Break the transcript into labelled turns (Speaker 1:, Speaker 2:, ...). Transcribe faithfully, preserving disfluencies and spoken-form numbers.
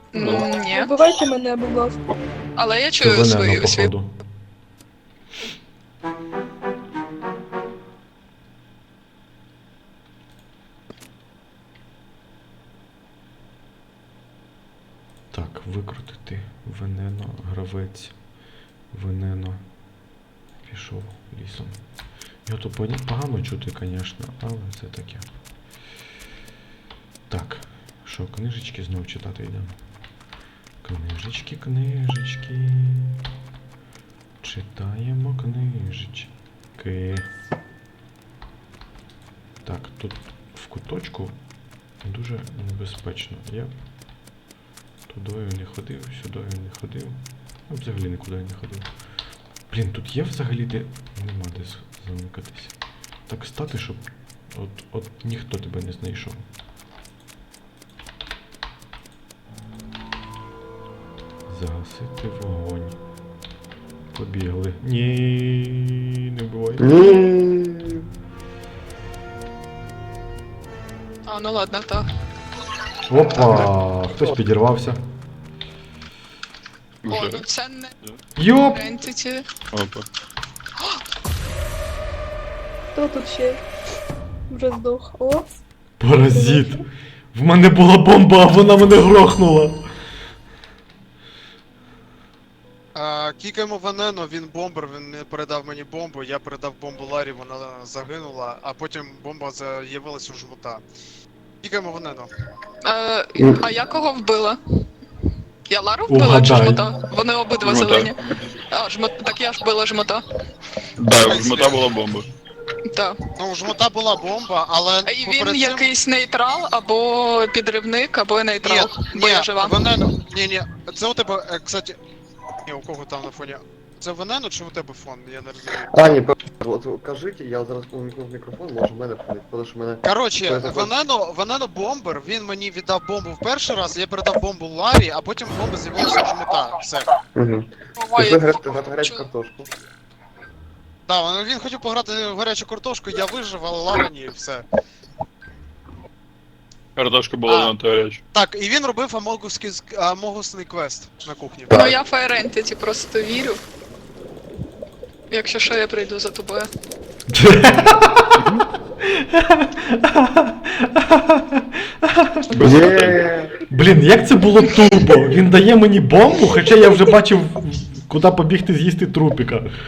Speaker 1: М, Ні.
Speaker 2: Вбивайте мене, будь ласка.
Speaker 1: Але я
Speaker 3: Це
Speaker 1: чую
Speaker 3: Венено,
Speaker 1: свою свій.
Speaker 3: походу. Так, викрутити. Венено, гравець. Венено. Пішов лісом. Його тут поня- погано чути, звісно, але це таке. Так, що, книжечки знов читати йдемо? Книжечки, книжечки. Читаємо книжечки. Так, тут в куточку дуже небезпечно. Я тудою не ходив, сюдою не ходив. Ну, взагалі нікуди не ходив. Блін, тут є взагалі де... Нема де з- замикатись. Так стати, щоб от, от ніхто тебе не знайшов. Загасити вогонь. Побігли. Ні, не буває.
Speaker 4: Ні.
Speaker 1: А, ну ладно, так.
Speaker 3: Опа! Хтось підірвався.
Speaker 1: О,
Speaker 5: Вже.
Speaker 1: ну це не
Speaker 3: Йоп!
Speaker 1: Entity.
Speaker 5: Опа.
Speaker 2: Хто тут ще? Вже здох. О,
Speaker 3: Паразит! В мене була бомба, а вона мене грохнула!
Speaker 6: А, Кікаємо Венено, він бомбер, він не передав мені бомбу, я передав бомбу Ларі, вона загинула, а потім бомба з'явилась у жмута. Кікаємо Венено.
Speaker 1: Е, а я кого вбила? Я Лару вбила
Speaker 3: Угадай.
Speaker 1: чи жмота? Вони обидва
Speaker 5: Жмота.
Speaker 1: зелені. А, жмот... так я ж вбила жмота.
Speaker 5: Да, в жмота була бомба.
Speaker 1: Так.
Speaker 6: Ну, у жмута була бомба, але
Speaker 1: І він
Speaker 6: поперед цим-
Speaker 1: якийсь нейтрал, або підривник, або нейтрал.
Speaker 6: Ні,
Speaker 1: бо
Speaker 6: ні,
Speaker 1: я жива.
Speaker 6: Венено, ні, ні, це у тебе, е, кстати, ні, у кого там на фоні? Це Венено чи у тебе фон? Я не розумію.
Speaker 4: А, ні, от кажіть, я зараз увімкнув мікрофон, може в мене фонить, тому що мене...
Speaker 6: Коротше,
Speaker 4: Це також-
Speaker 6: Венено, Венено бомбер, він мені віддав бомбу в перший раз, я передав бомбу Ларі, а потім бомба з'явилася у жмута. Все.
Speaker 4: Угу.
Speaker 1: Ой,
Speaker 4: Пішли грати грати гарячу
Speaker 1: чу-
Speaker 4: картошку.
Speaker 6: Да, він хотів пограти в гарячу картошку, я вижив, але Лара ні, все.
Speaker 5: Картошка була
Speaker 6: А.
Speaker 5: надто гаряча.
Speaker 6: Так, і він робив амогусний, амогусний квест на кухні.
Speaker 1: Ну я Fire Entity просто вірю. Якщо що, я прийду за тобою.
Speaker 4: Є.
Speaker 3: Блін, як це було тупо? Він дає мені бомбу, хоча я вже бачив, куди побігти з'їсти трупіка.